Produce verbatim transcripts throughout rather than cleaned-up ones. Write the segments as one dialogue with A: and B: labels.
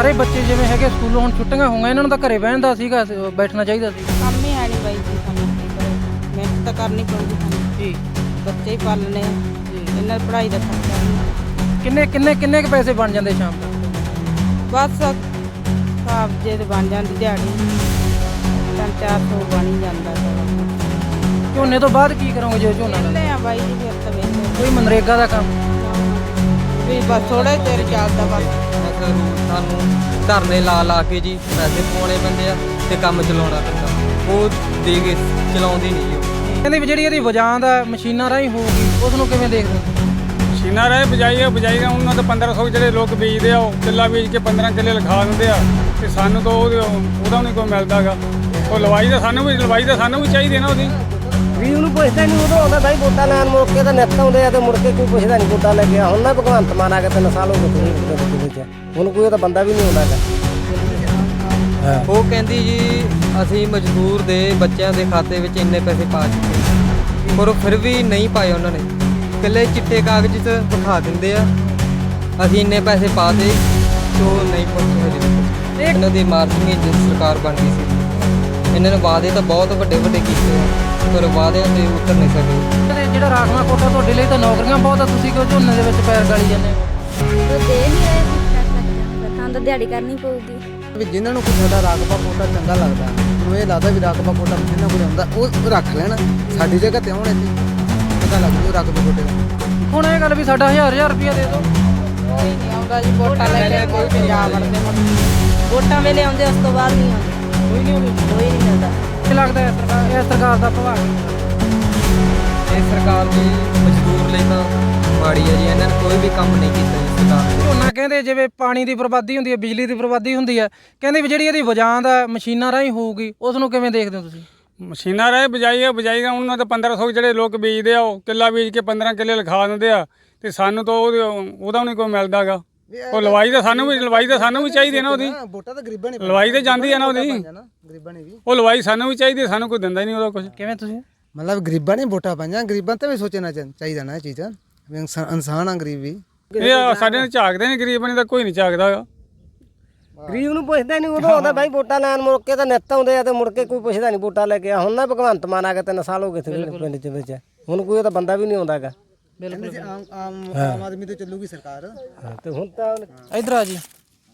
A: ਸਾਰੇ ਬੱਚੇ ਜਿਵੇਂ ਹੈਗੇ ਸਕੂਲੋਂ ਹੁਣ ਛੁੱਟੀਆਂ ਹੋਈਆਂ, ਇਹਨਾਂ ਨੂੰ ਤਾਂ ਘਰੇ ਬਹਿਣ ਦਾ ਸੀਗਾ, ਬੈਠਣਾ ਚਾਹੀਦਾ ਸੀ।
B: ਕੰਮ ਹੀ ਹੈ ਨਹੀਂ ਬਾਈ ਜੀ, ਸਾਨੂੰ ਕੀ ਕਰੇ, ਮਿਹਨਤ ਤਾਂ ਕਰਨੀ ਪਊਗੀ ਸਾਨੂੰ
A: ਜੀ
B: ਬੱਚੇ ਹੀ ਪਾਲਣੇ ਆ ਜੀ, ਇਹਨਾਂ ਦੀ ਪੜ੍ਹਾਈ ਦਾ ਖਰਚਾ ਵੀ।
A: ਕਿੰਨੇ ਕਿੰਨੇ ਕਿੰਨੇ ਕੁ ਪੈਸੇ ਬਣ ਜਾਂਦੇ ਸ਼ਾਮ ਤੱਕ?
B: ਬਸ ਹਿਸਾਬ ਜੇ ਤੇ ਬਣ ਜਾਂਦੀ ਦਿਹਾੜੀ ਤਿੰਨ ਚਾਰ ਸੌ ਬਣ ਹੀ ਜਾਂਦਾ ਚਲੋ।
A: ਝੋਨੇ ਤੋਂ ਬਾਅਦ ਕੀ ਕਰੋਗੇ ਜੇ ਝੋਨਾ ਲਾ
B: ਵਿਹਲੇ ਆ ਬਾਈ ਜੀ, ਫਿਰ ਤਾਂ ਵਿਹਲੇ
A: ਕੋਈ ਮਨਰੇਗਾ ਦਾ ਕੰਮ?
B: ਵੀ ਬਸ ਥੋੜਾ ਚਿਰ ਚੱਲਦਾ ਬਸ।
C: ਸਾਨੂੰ ਧਰਨੇ ਲਾ ਲਾ ਕੇ ਜੀ ਪੈਸੇ ਪਵਾਉਣੇ ਪੈਂਦੇ ਆ ਤੇ ਕੰਮ ਚਲਾਉਣਾ ਪੈਂਦਾ, ਉਹ ਦੇ ਕੇ ਚਲਾਉਂਦੀ ਨਹੀਂ ਉਹ।
A: ਕਹਿੰਦੇ ਵੀ ਜਿਹੜੀ ਇਹਦੀ ਵਜਾਂ ਦਾ ਮਸ਼ੀਨਾਂ ਰਾਹੀਂ ਹੋਊਗੀ, ਉਸ ਨੂੰ ਕਿਵੇਂ ਦੇਖਦੇ ਹੋ?
D: ਮਸ਼ੀਨਾਂ ਰਾਹੀਂ ਬਜਾਈ ਆ ਬਜਾਈ ਆ ਉਹਨਾਂ ਤੋਂ ਪੰਦਰਾਂ ਸੌ ਜਿਹੜੇ ਲੋਕ ਬੀਜਦੇ ਆ, ਉਹ ਕਿੱਲਾ ਬੀਜ ਕੇ ਪੰਦਰਾਂ ਕਿੱਲੇ ਲਿਖਾ ਦਿੰਦੇ ਆ ਤੇ ਸਾਨੂੰ ਤਾਂ ਉਹਦੇ ਉਹਦਾ ਨਹੀਂ ਕੋਈ ਮਿਲਦਾ ਗਾ। ਉਹ ਲਵਾਈ ਦਾ ਸਾਨੂੰ ਵੀ ਲਵਾਈ ਦਾ ਸਾਨੂੰ ਵੀ ਚਾਹੀਦੀ ਨਾ ਉਹਦੀ।
E: ਵੀ ਉਹਨੂੰ ਪੁੱਛਦਾ ਨਹੀਂ, ਉਦੋਂ ਆਉਂਦਾ ਬਾਈ ਵੋਟਾਂ ਲੈਣ, ਮੁੜ ਕੇ ਤਾਂ ਨਿੱਤ ਆਉਂਦੇ ਆ ਤੇ ਮੁੜ ਕੇ ਕੋਈ ਪੁੱਛਦਾ ਨਹੀਂ ਵੋਟਾਂ ਲੈ ਕੇ ਆ। ਹੁਣ ਨਾ ਭਗਵੰਤ ਮਾਨ ਆ ਕੇ ਤਿੰਨ ਸਾਲ ਹੋ ਗਏ ਤੁਸੀਂ ਵਿੱਚ, ਹੁਣ ਕੋਈ ਉਹਦਾ ਬੰਦਾ ਵੀ ਨਹੀਂ ਆਉਂਦਾ ਗਾ।
C: ਉਹ ਕਹਿੰਦੀ ਜੀ ਅਸੀਂ ਮਜ਼ਦੂਰ ਦੇ ਬੱਚਿਆਂ ਦੇ ਖਾਤੇ ਵਿੱਚ ਇੰਨੇ ਪੈਸੇ ਪਾ ਚੁੱਕੇ, ਪਰ ਉਹ ਫਿਰ ਵੀ ਨਹੀਂ ਪਾਏ ਉਹਨਾਂ ਨੇ। ਇਕੱਲੇ ਚਿੱਟੇ ਕਾਗਜ਼ 'ਚ ਵਿਖਾ ਦਿੰਦੇ ਆ ਅਸੀਂ ਇੰਨੇ ਪੈਸੇ ਪਾ ਦੇ, ਜੋ ਨਹੀਂ ਪਹੁੰਚੇ ਹਜੇ ਤੱਕ। ਇਹਨਾਂ ਦੀ ਮਾਰਚਿੰਗ ਸਰਕਾਰ ਬਣ ਗਈ ਸੀ, ਇਹਨਾਂ ਨੇ ਵਾਅਦੇ ਤਾਂ ਬਹੁਤ ਵੱਡੇ ਵੱਡੇ ਕੀਤੇ ਆ, ਪਰ ਵਾਅਦਿਆਂ ਤੇ ਉਤਰ ਨਹੀਂ ਸਕੇ।
A: ਜਿਹੜਾ ਰਾਖਵਾਂ ਕੋਟਾ ਤੁਹਾਡੇ ਲਈ ਤਾਂ ਨੌਕਰੀਆਂ ਬਹੁਤ ਆ, ਤੁਸੀਂ ਕਿਉਂ ਝੋਨੇ ਦੇ ਵਿੱਚ ਪੈਰ ਗਾਲੀ ਜਾਂਦੇ ਹੋ?
F: ਉਹ ਦੇ ਨਹੀਂ ਰਹੇ ਕੁਛ ਕਰ ਸਕਦੇ, ਤਾਂ ਤਾਂ ਦਿਹਾੜੀ ਕਰਨੀ ਪਊਗੀ।
E: ਵੀ ਜਿਨ੍ਹਾਂ ਨੂੰ ਕੋਈ ਸਾਡਾ ਰਾਗਪਾ ਕੋਟਾ ਚੰਗਾ ਲੱਗਦਾ, ਉਹਨੂੰ ਇਹ ਲੱਗਦਾ ਵੀ ਰਾਗਪਾ ਕੋਟਾ ਜਿਨ੍ਹਾਂ ਕੋਲ ਆਉਂਦਾ ਉਹ ਰੱਖ ਲੈਣ, ਸਾਡੀ ਜਗ੍ਹਾ ਤੇ ਆਉਣ, ਇੱਥੇ ਪਤਾ ਲੱਗ ਜੂ ਰਾਗਪਾ ਕੋਟੇ ਦਾ।
A: ਹੁਣ ਇਹ ਗੱਲ ਵੀ ਸਾਡਾ ਹਜ਼ਾਰ ਹਜ਼ਾਰ ਰੁਪਇਆ ਦੇ ਦਿਓ,
B: ਕੋਈ ਨਹੀਂ ਆਉਂਦਾ ਜੀ ਵੋਟਾਂ ਲੈ ਕੇ, ਕੋਈ ਪੰਜਾਬ ਵੜਦੇ ਵੋਟਾਂ ਵੇਲੇ ਆਉਂਦੇ, ਉਸ ਤੋਂ ਬਾਅਦ ਨਹੀਂ ਆਉਂਦੇ,
A: ਕੋਈ ਨਹੀਂ ਹੋਵੇ।
B: ਕੋਈ ਨਹੀਂ ਮਿਲਦਾ।
A: ਕੀ ਲੱਗਦਾ ਹੈ ਸਰਕਾਰ ਇਹ ਸਰਕਾਰ ਦਾ ਪ੍ਰਭਾਵ?
C: ਇਹ ਸਰਕਾਰ ਜੀ ਮਜ਼ਦੂਰ ਲਈ ਤਾਂ ਮਾੜੀ ਹੈ ਜੀ, ਇਹਨਾਂ ਨੇ ਕੋਈ ਵੀ ਕੰਮ ਨਹੀਂ ਕੀਤਾ ਜੀ ਸਰਕਾਰ ਨੇ।
A: ਝੋਨਾ ਕਹਿੰਦੇ ਜਿਵੇਂ ਪਾਣੀ ਦੀ ਬਰਬਾਦੀ ਹੁੰਦੀ ਹੈ, ਬਿਜਲੀ ਦੀ ਬਰਬਾਦੀ ਹੁੰਦੀ ਹੈ, ਕਹਿੰਦੇ ਵੀ ਜਿਹੜੀ ਇਹਦੀ ਵਜਾਂ ਦਾ ਮਸ਼ੀਨਾਂ ਰਾਹੀਂ ਹੋਊਗੀ, ਉਸ ਨੂੰ ਕਿਵੇਂ ਦੇਖਦੇ ਹੋ ਤੁਸੀਂ?
D: ਮਸ਼ੀਨਾਂ ਰਾਹੀਂ ਬਜਾਈ ਆ ਬਜਾਈ ਆ ਉਹਨਾਂ ਤੋਂ ਪੰਦਰਾਂ ਸੌ ਜਿਹੜੇ ਲੋਕ ਬੀਜਦੇ ਆ, ਉਹ ਕਿੱਲਾ ਬੀਜ ਕੇ ਪੰਦਰਾਂ ਕਿੱਲੇ ਲਿਖਾ ਦਿੰਦੇ ਆ ਤੇ ਸਾਨੂੰ ਤਾਂ ਉਹਦੇ ਉਹਦਾ ਨਹੀਂ ਕੋਈ ਮਿਲਦਾ ਗਾ। ਉਹ ਲਵਾਈ ਦਾ ਸਾਨੂੰ ਵੀ ਲਵਾਈ ਦਾ ਸਾਨੂੰ ਵੀ ਚਾਹੀਦੀ ਨਾ ਉਹਦੀ।
E: ਵੋਟਾਂ ਤਾਂ ਗਰੀਬਾਂ ਨੇ
D: ਲਵਾਈ ਤੇ ਜਾਂਦੀ ਆ ਨਾ ਉਹਦੀ,
E: ਗਰੀਬਾਂ ਨੇ ਵੀ,
D: ਉਹ ਲਵਾਈ ਸਾਨੂੰ ਵੀ ਚਾਹੀਦੀ, ਸਾਨੂੰ ਕੋਈ ਦਿੰਦਾ ਹੀ ਨਹੀਂ ਉਹਦਾ ਕੁਝ।
A: ਕਿਵੇਂ ਤੁਸੀਂ?
E: ਮਤਲਬ ਗਰੀਬਾਂ ਨੇ ਵੋਟਾਂ ਪਾਈਆਂ, ਗਰੀਬਾਂ ਤੇ ਵੀ ਸੋਚਣਾ ਚਾਹੀਦਾ ਨਾ ਇਹ ਚੀਜ਼, ਵੀ ਇਨਸਾ- ਇਨਸਾਨ ਆ ਗਰੀਬ ਵੀ।
D: ਇਹ ਸਾਡੇ ਨਾਲ ਝਾਕਦੇ ਨੇ ਗਰੀਬ ਨੇ, ਤਾਂ ਕੋਈ ਨਹੀਂ ਝਾਕਦਾ ਗਾ।
E: ਗਰੀਬ ਨੂੰ ਪੁੱਛਦਾ ਨਹੀਂ, ਉਦੋਂ ਆਉਂਦਾ ਬਾਈ ਵੋਟਾਂ ਲੈਣ, ਮੁੜ ਕੇ ਤਾਂ ਨਿੱਤ ਆਉਂਦੇ ਆ ਤੇ ਮੁੜ ਕੇ ਕੋਈ ਪੁੱਛਦਾ ਨਹੀਂ ਵੋਟਾਂ ਲੈ ਕੇ ਆ। ਹੁਣ ਨਾ ਭਗਵੰਤ ਮਾਨ ਆ ਕੇ ਤਿੰਨ ਸਾਲ ਹੋ ਗਏ ਪਿੰਡ ਦੇ ਵਿੱਚ, ਹੁਣ ਕੋਈ ਉਹਦਾ ਬੰਦਾ ਵੀ ਨਹੀਂ ਆਉਂਦਾ ਗਾ। ਬਿਲਕੁਲ ਆਮ ਆਮ ਆਮ ਆਦਮੀ ਤੇ ਚੱਲੂਗੀ ਸਰਕਾਰ, ਤੇ ਹੁਣ ਤਾਂ
A: ਇਧਰ ਆ ਜੀ।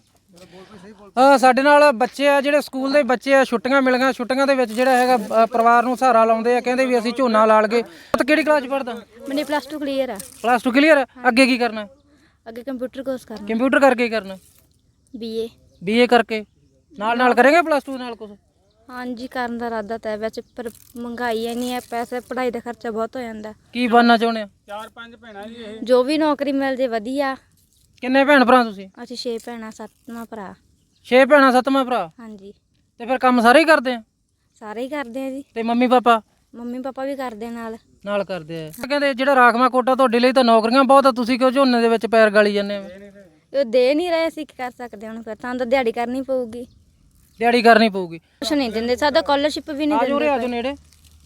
A: ਆ ਸਾਡੇ ਨਾਲ ਬੱਚੇ ਆ, ਜਿਹੜੇ ਸਕੂਲ ਦੇ ਬੱਚੇ ਆ, ਛੁੱਟੀਆਂ ਮਿਲ ਗਈਆਂ, ਛੁੱਟੀਆਂ ਦੇ ਵਿੱਚ ਜਿਹੜਾ ਹੈਗਾ ਅ, ਪਰਿਵਾਰ ਨੂੰ ਸਹਾਰਾ ਲਾਉਂਦੇ ਆ, ਕਹਿੰਦੇ ਵੀ ਅਸੀਂ ਝੋਨਾ ਲਾ ਲਗੇ। ਤਾਂ ਕਿਹੜੀ ਕਲਾਸ 'ਚ ਪੜ੍ਹਦਾ?
F: ਮੈਨੇ ਪਲੱਸ ਟੂ ਕਲੀਅਰ ਆ।
A: Plus two clear? ਅੱਗੇ ਕੀ ਕਰਨਾ?
F: ਅੱਗੇ ਕੰਪਿਊਟਰ ਕੋਰਸ ਕਰਨਾ।
A: ਕੰਪਿਊਟਰ ਕਰਕੇ ਕੀ ਕਰਨਾ?
F: ਬੀਏ।
A: ਬੀਏ ਕਰਕੇ ਨਾਲ ਨਾਲ ਕਰੇਂਗੇ ਪਲੱਸ ਟੂ ਨਾਲ ਕੁਝ?
F: ਹਾਂਜੀ ਕਰਨ ਦਾ ਇਰਾਦਾ ਤਾਂ ਵਿੱਚ, ਪਰ ਮਹਿੰਗਾਈ ਇੰਨੀ ਹੈ, ਪੈਸੇ ਪੜ੍ਹਾਈ ਦਾ ਖਰਚਾ ਬਹੁਤ ਹੋ ਜਾਂਦਾ।
A: ਕੀ ਬਣਨਾ ਚਾਹੁੰਦੇ ਆ?
D: ਚਾਰ ਪੰਜ ਭੈਣਾਂ ਜੀ ਇਹ।
F: ਜੋ ਵੀ ਨੌਕਰੀ ਮਿਲ ਜੇ ਵਧੀਆ।
A: ਕਿੰਨੇ ਭੈਣ ਭਰਾ ਤੁਸੀਂ?
F: ਅਸੀਂ ਛੇ ਭੈਣਾਂ ਸੱਤਵਾਂ ਭਰਾ।
A: ਛੇ ਭੈਣਾਂ ਸੱਤਵਾਂ ਭਰਾ?
F: ਹਾਂਜੀ।
A: ਤੇ ਫਿਰ ਕੰਮ ਸਾਰੇ ਹੀ ਕਰਦੇ ਆ?
F: ਸਾਰੇ ਹੀ ਕਰਦੇ ਆ ਜੀ।
A: ਤੇ ਮੰਮੀ ਪਾਪਾ?
F: ਮੰਮੀ ਪਾਪਾ ਵੀ ਕਰਦੇ ਨਾਲ।
A: ਨਾਲ ਕਰਦੇ ਆ। ਕਹਿੰਦੇ ਜਿਹੜਾ ਰਾਖਵਾਂ ਕੋਟਾ ਤੁਹਾਡੇ ਲਈ ਤਾਂ ਨੌਕਰੀਆਂ ਬਹੁਤ ਆ, ਤੁਸੀਂ ਕਿਉਂ ਝੋਨੇ ਦੇ ਵਿੱਚ ਪੈਰ ਗਾਲੀ ਜਾਂਦੇ ਆ?
F: ਉਹ ਦੇ ਨਹੀਂ ਰਹੇ, ਅਸੀਂ ਕੀ ਕਰ ਸਕਦੇ ਹੁਣ, ਫਿਰ ਤਾਂ ਤਾਂ ਦਿਹਾੜੀ ਕਰਨੀ ਪਊਗੀ।
A: ਦਿਹਾੜੀ ਕਰਨੀ ਪਊਗੀ।
F: ਕੁਛ ਨਹੀਂ ਦਿੰਦੇ, ਸਾਡਾ ਸਕਾਲਰਸ਼ਿਪ ਵੀ ਨਹੀਂ
A: ਆਜੋ ਰੇ ਆਜੋ
F: ਦਿੰਦੇ।
A: ਨੇੜੇ।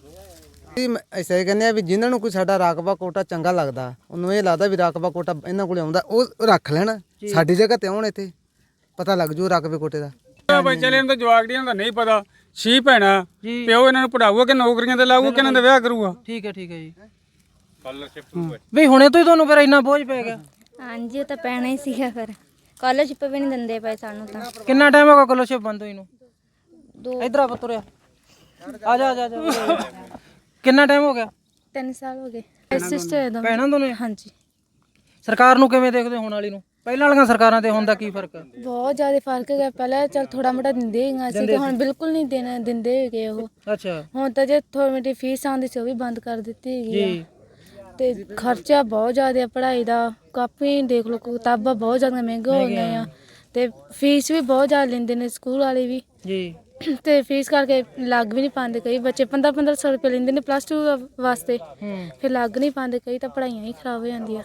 E: ਐਸਾ ਹੀ ਕਹਿੰਦੇ ਆ ਵੀ ਜਿਨ੍ਹਾਂ ਨੂੰ ਕੋਈ ਸਾਡਾ ਰਾਗਪਾ ਕੋਟਾ ਚੰਗਾ ਲੱਗਦਾ, ਉਹਨੂੰ ਇਹ ਲੱਗਦਾ ਵੀ ਰਾਗਪਾ ਕੋਟਾ ਇਹਨਾਂ ਕੋਲ ਆਉਂਦਾ ਉਹ ਰੱਖ ਲੈਣ, ਸਾਡੀ ਜਗ੍ਹਾ ਤੇ ਆਉਣ, ਇੱਥੇ ਪਤਾ ਲੱਗ ਜੂ ਰਾਗਪੇ ਕੋਟੇ ਦਾ।
D: ਬੱਚੇ ਨੇ ਤਾਂ ਜਵਾਕੜੀਆਂ ਦਾ ਨਹੀਂ ਪਤਾ। ਛੇ ਭੈਣਾਂ, ਪਿਓ ਇਹਨਾਂ ਨੂੰ ਪੜਾਊਗਾ ਕਿ ਨੌਕਰੀਆਂ ਤੇ ਲਾਊਗਾ ਕਿ ਇਹਨਾਂ ਦਾ ਵਿਆਹ ਕਰੂਗਾ?
A: ਠੀਕ ਹੈ ਠੀਕ ਹੈ ਜੀ। ਵੀ ਹੁਣੇ ਤੋਂ ਹੀ ਤੁਹਾਨੂੰ ਫਿਰ ਇੰਨਾ ਬੋਝ ਪੈ ਗਿਆ?
F: ਹਾਂਜੀ ਉਹ ਤਾਂ ਪੈਣਾ ਹੀ ਸੀਗਾ, ਫਿਰ ਸਕਾਲਰਸ਼ਿਪ ਵੀ ਨਹੀਂ ਦਿੰਦੇ ਪਏ ਸਾਨੂੰ ਤਾਂ।
A: ਕਿੰਨਾ ਟਾਈਮ ਹੋ ਗਿਆ ਸਕਾਲਰਸ਼ਿਪ ਬੰਦ ਹੋਈ ਨੂੰ?
F: ਦੋ
A: ਇਧਰ ਆ ਪੁੱਤਰਿਆ, ਆ ਜਾ ਆ ਜਾ ਆ ਜਾ। ਕਿੰਨਾ ਟਾਈਮ ਹੋ ਗਿਆ?
F: ਤਿੰਨ ਸਾਲ ਹੋ ਗਏ। ਸਿਸਟਰ ਦਾ।
A: ਭੈਣਾਂ ਦੋਨੇ?
F: ਹਾਂਜੀ।
A: ਸਰਕਾਰ ਨੂੰ ਕਿਵੇਂ ਦੇਖਦੇ ਹੋਣ ਵਾਲੀ ਨੂੰ? ਪਹਿਲਾਂ ਵਾਲੀਆਂ ਸਰਕਾਰਾਂ ਤੇ ਹੁਣ ਦਾ ਕੀ ਫਰਕ ਹੈ?
F: ਬਹੁਤ ਜ਼ਿਆਦਾ ਫਰਕ ਹੈਗਾ। ਪਹਿਲਾਂ ਚਲ ਥੋੜਾ ਮੋਟਾ ਦਿੰਦੇ ਹੈਗਾ ਸੀ, ਤੇ ਹੁਣ ਬਿਲਕੁਲ ਨਹੀਂ ਦੇਣਾ ਦਿੰਦੇ ਹੈਗੇ ਉਹ।
A: ਅੱਛਾ।
F: ਹੁਣ ਤਾਂ ਜੇ ਥੋੜੀ ਮੋਟੀ ਫੀਸ ਆਉਂਦੀ ਸੀ ਉਹ ਵੀ ਬੰਦ ਕਰ ਦਿੱਤੀ ਹੈਗੀ ਆ।
A: ਜੀ।
F: ਤੇ ਖਰਚਾ ਬਹੁਤ ਜ਼ਿਆਦਾ ਹੈ ਪੜ੍ਹਾਈ ਦਾ। ਕਾਪੀ ਦੇਖ ਲਓ, ਕਿਤਾਬਾਂ ਬਹੁਤ ਜ਼ਿਆਦਾ ਮਹਿੰਗੀਆਂ ਹੋ ਗਈਆਂ ਆ, ਤੇ ਫੀਸ ਵੀ ਬਹੁਤ ਜ਼ਿਆਦਾ ਲੈਂਦੇ ਨੇ ਸਕੂਲ ਵਾਲੇ ਵੀ।
A: ਜੀ।
F: ਤੇ ਫੀਸ ਕਰਕੇ ਲੱਗ ਵੀ ਨਹੀਂ ਪਾਉਂਦੇ, ਕਈ ਬੱਚੇ ਪੰਦਰਾਂ ਪੰਦਰਾਂ ਸੌ ਰੁਪਏ ਲੈਂਦੇ ਨੇ ਪਲੱਸ ਟੂ ਵਾਸਤੇ, ਫਿਰ ਲੱਗ ਨਹੀਂ ਪਾਉਂਦੇ, ਕਈ ਤਾਂ ਪੜ੍ਹਾਈਆਂ ਹੀ ਖਰਾਬ ਹੋ ਜਾਂਦੀਆਂ।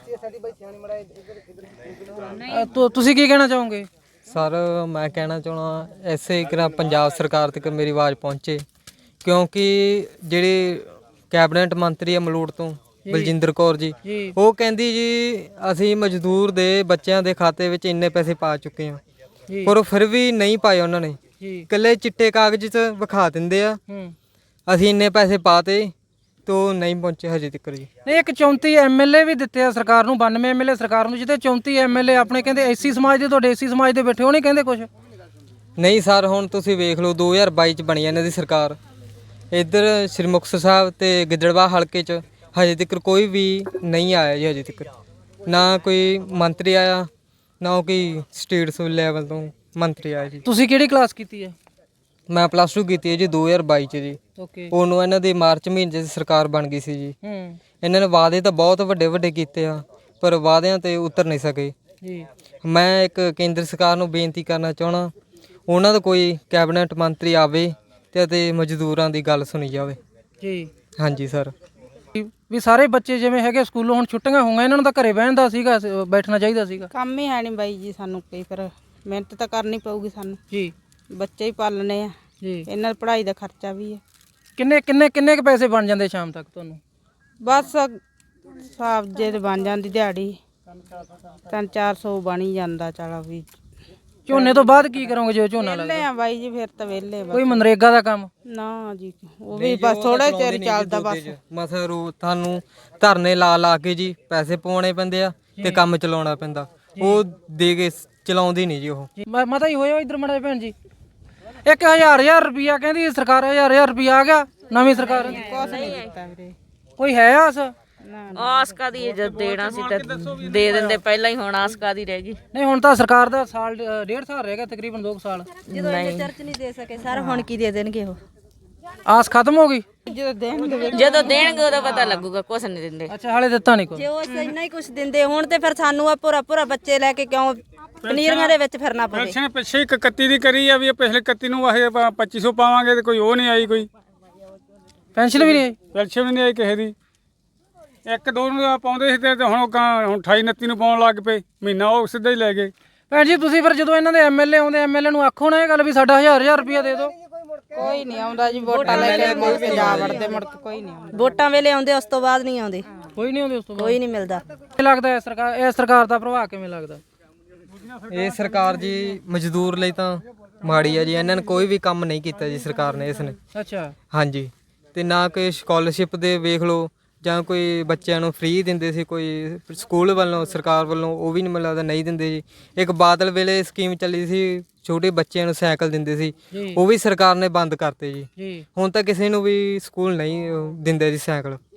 A: ਅ, ਤੁਸੀਂ ਕੀ ਕਹਿਣਾ ਚਾਹੋਗੇ?
C: ਸਰ ਮੈਂ ਕਹਿਣਾ ਚਾਹੁੰਦਾ ਐਸੇ ਕਿ ਪੰਜਾਬ ਸਰਕਾਰ ਤੱਕ ਮੇਰੀ ਆਵਾਜ਼ ਪਹੁੰਚੇ, ਕਿਉਂਕਿ ਜਿਹੜੇ ਕੈਬਨਿਟ ਮੰਤਰੀ ਆ ਮਲੂਟ ਤੋਂ ਬਲਜਿੰਦਰ ਕੌਰ ਜੀ, ਉਹ ਕਹਿੰਦੀ ਜੀ ਅਸੀਂ ਮਜ਼ਦੂਰ ਦੇ ਬੱਚਿਆਂ ਦੇ ਖਾਤੇ ਵਿੱਚ ਇੰਨੇ ਪੈਸੇ ਪਾ ਚੁੱਕੇ ਹਾਂ,
A: ਜੀ
C: ਪਰ ਉਹ ਫਿਰ ਵੀ ਨਹੀਂ ਪਾਏ ਉਹਨਾਂ ਨੇ।
A: ਜੀ
C: ਇਕੱਲੇ ਚਿੱਟੇ ਕਾਗਜ਼ 'ਚ ਵਿਖਾ ਦਿੰਦੇ ਆ
A: ਹੂੰ
C: ਅਸੀਂ ਇੰਨੇ ਪੈਸੇ ਪਾਤੇ ਤੋ ਨਹੀਂ ਪਹੁੰਚੇ ਹਜੇ ਤੱਕ ਜੀ।
A: ਨਹੀਂ ਇੱਕ ਚੌਂਤੀ ਐਮਐਲਏ ਵੀ ਦਿੱਤੇ ਆ ਸਰਕਾਰ ਨੂੰ, ਬਾਨਵੇਂ ਐਮਐਲਏ ਸਰਕਾਰ ਨੂੰ, ਜਿੱਤੇ ਚੌਂਤੀ ਐਮਐਲਏ ਆਪਣੇ ਕਹਿੰਦੇ ਐਸੀ ਸਮਾਜ ਦੇ, ਤੁਹਾਡੇ ਐਸੀ ਸਮਾਜ ਦੇ ਬੈਠੇ, ਉਹ ਨਹੀਂ ਕਹਿੰਦੇ ਕੁਝ?
C: ਨਹੀਂ ਸਰ, ਹੁਣ ਤੁਸੀਂ ਵੇਖ ਲਓ ਦੋ ਹਜ਼ਾਰ ਬਾਈ 'ਚ ਬਣੀ ਇਹਨਾਂ ਦੀ ਸਰਕਾਰ, ਇੱਧਰ ਸ੍ਰੀ ਮੁਕਤਸਰ ਸਾਹਿਬ ਤੇ ਗਿੱਦੜਬਾਹ ਹਲਕੇ 'ਚ ਹਜੇ ਤੱਕ ਕੋਈ ਵੀ ਨਹੀਂ ਆਇਆ ਜੀ। ਹਜੇ ਤੱਕ ਨਾ ਕੋਈ ਮੰਤਰੀ ਆਇਆ, ਨਾ ਕੋਈ ਸਟੇਟ ਲੈਵਲ ਤੋਂ ਮੰਤਰੀ ਆਇਆ ਜੀ।
A: ਤੁਸੀਂ ਕਿਹੜੀ ਕਲਾਸ ਕੀਤੀ ਹੈ?
C: ਮੈਂ ਪਲੱਸ ਟੂ ਕੀਤੀ ਹੈ ਜੀ ਦੋ ਹਜ਼ਾਰ ਬਾਈ 'ਚ ਜੀ।
A: ਓਕੇ।
C: ਉਹਨੂੰ ਇਹਨਾਂ ਦੀ ਮਾਰਚ ਮਹੀਨੇ 'ਚ ਸਰਕਾਰ ਬਣ ਗਈ ਸੀ ਜੀ।
A: ਹੂੰ
C: ਇਹਨਾਂ ਨੇ ਵਾਅਦੇ ਤਾਂ ਬਹੁਤ ਵੱਡੇ ਵੱਡੇ ਕੀਤੇ ਆ, ਪਰ ਵਾਅਦਿਆਂ ਤੇ ਉਤਰ ਨਹੀਂ ਸਕੇ।
A: ਜੀ
C: ਮੈਂ ਇੱਕ ਕੇਂਦਰ ਸਰਕਾਰ ਨੂੰ ਬੇਨਤੀ ਕਰਨਾ ਚਾਹਣਾ, ਉਹਨਾਂ ਦਾ ਕੋਈ ਕੈਬਨਿਟ ਮੰਤਰੀ ਆਵੇ ਤੇ ਅਤੇ ਮਜ਼ਦੂਰਾਂ ਦੀ ਗੱਲ ਸੁਣੀ ਜਾਵੇ।
A: ਜੀ
C: ਹਾਂਜੀ ਸਰ।
A: ਵੀ ਸਾਰੇ ਬੱਚੇ ਜਿਵੇਂ ਹੈਗੇ ਸਕੂਲੋਂ ਹੁਣ ਛੁੱਟੀਆਂ ਹੋਈਆਂ, ਇਹਨਾਂ ਨੂੰ ਤਾਂ ਘਰੇ ਬਹਿਣ ਦਾ ਸੀਗਾ, ਸ- ਬੈਠਣਾ ਚਾਹੀਦਾ ਸੀਗਾ।
B: ਕੰਮ ਹੀ ਹੈ ਨਹੀਂ ਬਾਈ ਜੀ ਸਾਨੂੰ ਕੋਈ, ਫਿਰ ਮਿਹਨਤ ਤਾਂ ਕਰਨੀ ਪਊਗੀ ਸਾਨੂੰ,
A: ਜੀ
B: ਬੱਚੇ ਹੀ ਪਾਲਣੇ ਆ,
A: ਜੀ
B: ਇਹਨਾਂ ਦੀ ਪੜ੍ਹਾਈ ਦਾ ਖਰਚਾ ਵੀ ਹੈ।
A: ਕਿੰਨੇ ਕਿੰਨੇ ਕਿੰਨੇ ਕੁ ਪੈਸੇ ਬਣ ਜਾਂਦੇ ਸ਼ਾਮ ਤੱਕ ਤੁਹਾਨੂੰ?
B: ਬਸ ਹਿਸਾਬ ਜੇ ਤੇ ਬਣ ਜਾਂਦੀ ਦਿਹਾੜੀ ਤਿੰਨ ਚਾਰ ਸੌ ਬਣ ਹੀ ਜਾਂਦਾ। ਚਲੋ ਵੀ
A: ਝੋਨੇ ਤੋਂ ਬਾਅਦ ਕੀ ਕਰੋਗੇ ਜੇ ਝੋਨਾ ਲੱਗ
B: ਵਿਹਲੇ ਆ ਬਾਈ ਜੀ, ਫਿਰ ਤਾਂ ਵਿਹਲੇ ਬਸ।
A: ਕੋਈ ਮਨਰੇਗਾ ਦਾ ਕੰਮ?
B: ਨਾ ਜੀ, ਉਹ ਵੀ ਬਸ ਥੋੜਾ ਚਿਰ ਚੱਲਦਾ ਬਸ।
C: ਮਸਾ ਰੋ ਤੁਹਾਨੂੰ ਧਰਨੇ ਲਾ ਲਾ ਕੇ ਜੀ ਪੈਸੇ ਪਵਾਉਣੇ ਪੈਂਦੇ ਆ ਤੇ ਕੰਮ ਚਲਾਉਣਾ ਪੈਂਦਾ, ਉਹ ਦੇ ਕੇ ਚਲਾਉਂਦੀ ਨਹੀਂ ਜੀ ਉਹ।
A: ਜੀ ਮੈਂ ਮਤਾ ਹੀ ਹੋਇਆ ਇੱਧਰ ਮੜਾ ਭੈਣ ਜੀ। ਇੱਕ ਹਜ਼ਾਰ ਹਜ਼ਾਰ ਰੁਪਿਆ ਕਹਿੰਦੀ ਸਰਕਾਰ, ਹਜ਼ਾਰ ਹਜ਼ਾਰ ਰੁਪਿਆ ਆ ਗਿਆ ਨਵੀਂ ਸਰਕਾਰ।
B: ਕੁਛ ਨਹੀਂ ਦਿੱਤਾ ਵੀਰੇ।
A: ਕੋਈ ਹੈ ਆਸ?
G: ਆਸ ਕਾਦੀ, ਜਦ ਦੇਣਾ ਸੀ ਤਾਂ ਦੇ ਦਿੰਦੇ ਪਹਿਲਾਂ ਹੀ, ਹੁਣ ਆਸ ਕਾਦੀ ਰਹਿ ਗਈ।
A: ਨਹੀਂ ਹੁਣ ਤਾਂ ਸਰਕਾਰ ਦਾ ਸਾਲ ਡ- ਡੇਢ ਸਾਲ ਰਹਿ ਗਿਆ, ਤਕਰੀਬਨ ਦੋ ਕੁ ਸਾਲ।
G: ਜਦੋਂ ਇਹਨੇ ਚਰਚ ਨਹੀਂ ਦੇ ਸਕੇ ਸਰ, ਹੁਣ ਕੀ ਦੇ ਦੇਣਗੇ ਉਹ?
A: ਆਸ ਖਤਮ ਹੋ ਗਈ?
B: ਜਦੋਂ ਦੇਣਗੇ
G: ਜਦੋਂ ਦੇਣਗੇ ਉਦੋਂ ਪਤਾ ਲੱਗੂਗਾ, ਕੁਛ ਨਹੀਂ ਦਿੰਦੇ।
A: ਅੱਛਾ ਹਾਲੇ ਦਿੱਤਾ ਨਹੀਂ ਕੋਈ?
G: ਜੇ ਉਹ ਇੰਨਾ ਹੀ ਕੁਝ ਦਿੰਦੇ ਹੁਣ ਤੇ ਫਿਰ ਸਾਨੂੰ ਆ ਪੂਰਾ ਪੂਰਾ ਬੱਚੇ ਲੈ ਕੇ ਕਿਉਂ ਪਨੀਰੀਆਂ ਦੇ ਵਿੱਚ ਫਿਰਨਾ ਪਵੇ?
D: ਪੈਨਸ਼ਨ ਪਿੱਛੇ ਇੱਕ ਇਕੱਤੀ ਦੀ ਕਰੀ ਆ ਵੀ ਇਹ ਪਿਛਲੇ ਇਕੱਤੀ ਨੂੰ ਆਹ ਪੱਚੀ ਸੌ ਪਾਵਾਂਗੇ ਤੇ ਕੋਈ ਉਹ ਨਹੀਂ ਆਈ, ਕੋਈ
A: ਪੈਨਸ਼ਨ ਵੀ ਨਹੀਂ ਆਈ?
D: ਪੈਨਸ਼ਨ ਵੀ ਨਹੀਂ ਆਈ ਕਿਸੇ ਦੀ। ਇੱਕ ਦੋ ਨੂੰ ਪਾਉਂਦੇ ਸੀ ਤੇ ਹੁਣ ਉਹ ਕਾਂ- ਹੁਣ ਅਠਾਈ ਉਨੱਤੀ ਨੂੰ ਪਾਉਣ ਲੱਗ ਪਏ, ਮਹੀਨਾ ਉਹ ਸਿੱਧਾ ਹੀ ਲੈ ਗਏ।
A: ਭੈਣ ਜੀ ਤੁਸੀਂ ਫਿਰ ਜਦੋਂ ਇਹਨਾਂ ਦੇ ਐਮਐਲਏ ਆਉਂਦੇ, ਐਮਐਲਏ ਨੂੰ ਆਖੋ ਨਾ ਇਹ ਗੱਲ ਵੀ ਸਾਡਾ ਹਜ਼ਾਰ ਹਜ਼ਾਰ ਰੁਪਿਆ ਦੇ ਦਿਓ।
B: ਕੋਈ ਨਹੀਂ ਆਉਂਦਾ ਜੀ, ਵੋਟਾਂ ਲੈ ਕੇ ਮੁੜ ਕੇ ਜਾ ਵੜਦੇ, ਮੁੜ ਕੇ ਕੋਈ ਨਹੀਂ ਆਉਂਦਾ।
G: ਵੋਟਾਂ ਵੇਲੇ ਆਉਂਦੇ, ਉਸ ਤੋਂ ਬਾਅਦ ਨਹੀਂ ਆਉਂਦੇ,
A: ਕੋਈ ਨਹੀਂ ਆਉਂਦੇ ਉਸ ਤੋਂ ਬਾਅਦ?
G: ਕੋਈ ਨਹੀਂ ਮਿਲਦਾ।
A: ਕੀ ਲੱਗਦਾ ਹੈ ਸਰਕਾਰ, ਇਹ ਸਰਕਾਰ ਦਾ ਪ੍ਰਭਾਵ ਕਿਵੇਂ ਲੱਗਦਾ?
C: ਇਹ ਸਰਕਾਰ ਜੀ ਮਜ਼ਦੂਰ ਲਈ ਤਾਂ ਮਾੜੀ ਆ ਜੀ। ਇਹਨਾਂ ਨੇ ਕੋਈ ਵੀ ਕੰਮ ਨਹੀਂ ਕੀਤਾ ਜੀ ਸਰਕਾਰ ਨੇ ਇਸ ਨੇ।
A: ਅੱਛਾ
C: ਹਾਂਜੀ, ਤੇ ਨਾ ਕੋਈ ਸਕਾਲਰਸ਼ਿਪ ਦੇ ਵੇਖ ਲਓ, ਜਾਂ ਕੋਈ ਬੱਚਿਆਂ ਨੂੰ ਫ੍ਰੀ ਦਿੰਦੇ ਸੀ ਕੋਈ ਸਕੂਲ ਵੱਲੋਂ, ਸਰਕਾਰ ਵੱਲੋਂ, ਉਹ ਵੀ ਨਹੀਂ ਮੈਨੂੰ ਲੱਗਦਾ ਨਹੀਂ ਦਿੰਦੇ ਜੀ। ਇੱਕ ਬਾਦਲ ਵੇਲੇ ਸਕੀਮ ਚੱਲੀ ਸੀ, ਛੋਟੇ ਬੱਚਿਆਂ ਨੂੰ ਸਾਈਕਲ ਦਿੰਦੇ ਸੀ, ਉਹ ਵੀ ਸਰਕਾਰ ਨੇ ਬੰਦ ਕਰਤੇ ਜੀ।
A: ਜੀ
C: ਹੁਣ ਤਾਂ ਕਿਸੇ ਨੂੰ ਵੀ ਸਕੂਲ ਨਹੀਂ ਅਹ, ਦਿੰਦੇ ਜੀ ਸਾਈਕਲ।